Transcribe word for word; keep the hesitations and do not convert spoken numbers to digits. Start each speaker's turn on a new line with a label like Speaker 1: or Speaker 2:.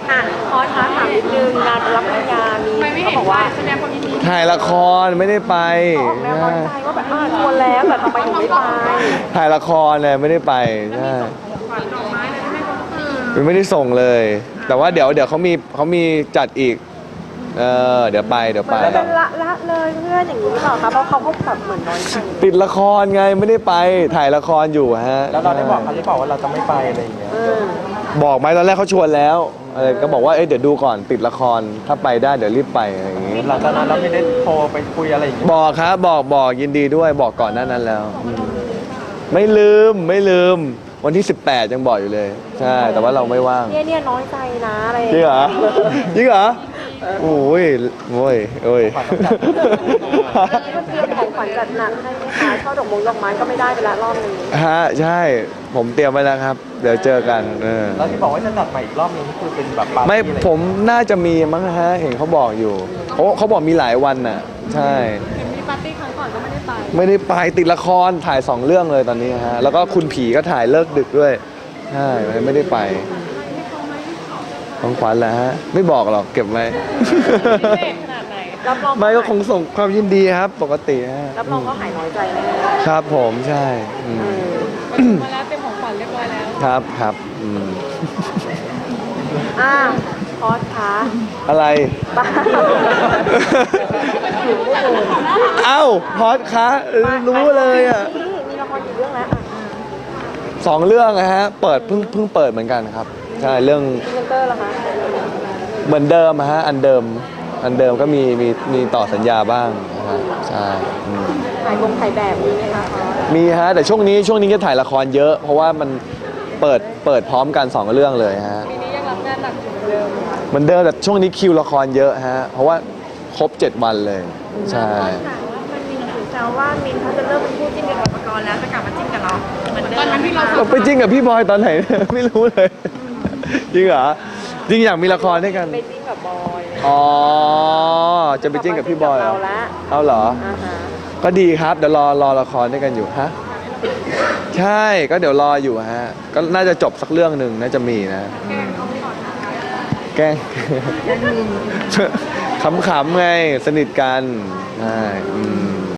Speaker 1: อ่ะขอถามถามนิดนึงงานรับปริญญามีเขาบอกว่าแสดงความยินดี
Speaker 2: ถ่ายละครไม่ได้ไป
Speaker 1: ออกแนวน้อยใจว่าแบบอ่าชวนแล้วแต่ทำไมถึงไม่ไป
Speaker 2: ถ่ายละครเนี่ยไม่ได้ไปใช่ไม่ได้ส่งเลย แต่ว่าเดี๋ยวเดี๋ยวเขามีเขามีจัดอีกเออเดี๋ยวไปเดี๋ยว
Speaker 1: เหมื
Speaker 2: ไป
Speaker 1: อนเป็นละละเลยเพื่อนอย่างนี้หรือเปล่าคะเพราะเขาก็แบบเหมือนน้อยใจ
Speaker 2: ติดละครไงไม่ได้ไปถ่ายละครอยู่ฮะ
Speaker 3: แล้วเราได้บอกเขาหรือเปล่าว่าเราจะไม่ไปอะไรอย่างเงี้ย
Speaker 1: เออ
Speaker 2: บอกไหมตอนแรกเขาชวนแล้วเออก็บอกว่าเอ้ยเดี๋ยวดูก่อนติดละครถ้าไปได้เดี๋ยวรีบไปอะไรอย่างงี้
Speaker 3: หลังจากนั้นเราไม่ได้โทรไปคุยอะไรอย่างเงี้ย
Speaker 2: บอกครับบอกบอกยินดีด้วยบอกก่อนหน้านั้นแล้วอืมไม่ลืมไม่ลืมวันที่สิบแปดยังบอกอยู่เลยใช่แต่ว่าเราไม่ว่าง
Speaker 1: เนี่ยเนี่ยน้อยใจนะอะไร
Speaker 2: จริงเหรอจริงเหรอโอ้ยโอ้ยโอ้ย
Speaker 1: ก็เตรียมของขวัญจัดหนักให้ไหมคะช่อดอกมงดอกไม้ก็ไม่ได้ไปละรอบนึง
Speaker 2: ฮะใช่ผมเตรียมไว้แล้วครับ เดี๋ยวเจอกันเออ
Speaker 3: แล้วที่บอกว่าจะจัดใหม่อีกรอบนึงนี่คือเป็นแบบปาร์ตี้
Speaker 2: ไม่
Speaker 3: อะไร
Speaker 2: ผมน่าจะมีมั้งฮะเห็นเขาบอกอยู่เขาเขาบอกมีหลายวันน่ะใช่
Speaker 1: เห็นมีปาร์ตี้ครั้งก่อนก็ไม่ได้ไป
Speaker 2: ไม่ได้ไปติดละครถ่ายสองเรื่องเลยตอนนี้ฮะแล้วก็คุณผีก็ถ่ายเลิกดึกด้วยใช่ไม่ได้ไปของขวัญแหละฮะไม่บอกหรอกเก็บไว้
Speaker 1: ขนาดไหนรับรอง
Speaker 2: ไม่ก็คงส่งความยินดีครับปกติฮะ
Speaker 1: รับรองก็หายน้อยใจแน่
Speaker 2: ครับผมใช่อืม
Speaker 1: มาแล้วเต็มของขวัญเรียบร้อยแล้ว
Speaker 2: ครับครับอืม
Speaker 1: อ้าวพอสคะ
Speaker 2: อะไร
Speaker 1: บ้า
Speaker 2: เอ้าพอดคะเออรู้เลยอ่ะ
Speaker 1: มีละครกี่เรื่องแล้วอ่ะ
Speaker 2: สองเรื่องนะฮะเปิดเพิ่งเพิ่งเปิดเหมือนกันครับใช่เรื่อง
Speaker 1: พรีเซนเตอร์เหรอคะ
Speaker 2: เหมือนเดิมอะฮะอันเดิมอันเดิมก็มีมีมีต่อสัญญาบ้างนะฮะใช่อืม
Speaker 1: ถ่ายบงถ่ายแบบมีไหมคะพอส
Speaker 2: มีฮะแต่ช่วงนี้ช่วงนี้จะถ่ายละครเยอะ เพราะว่ามันเปิดเปิดพร้อมกันสองเรื่องเลยฮะ
Speaker 1: ปีนี้ยังรับงานหนักอยู่เหมือนเดิม
Speaker 2: เหมือนเดิมแต่ช่วงนี้คิวละครเยอะฮะเพราะว่าครบเจ็ดวันเลยใช่
Speaker 1: ค่ะว่ามันมีถึงแซวว่ามินเขาจะเลิกเป็นคู่จิ้นกับปกรณ์แล้วจะกลับมาจิ้นกับเราเหมือนเดิมตอนนั้นที่เรา
Speaker 2: เราไปจริงกับพี่บอยตอนไหน ไม่รู้เลย จริงเหรอจริงอยากมีละครด้วยกัน
Speaker 1: ไปจิ้นกับบอยเลย
Speaker 2: อ๋อจะไปจิ้นกับพี่บอยเหร
Speaker 1: เรา
Speaker 2: อ
Speaker 1: ละ
Speaker 2: เอาเหรอ
Speaker 1: อ่าฮะ
Speaker 2: ก็ดีครับเดี๋ยวรอรอละครด้วยกันอยู่ฮะใช่ก็เดี๋ยวรออยู่ฮะก็น่าจะจบสักเรื่องหนึ่งน่าจะมีนะแกล้ง ขำๆไงสนิทกันใช่อืม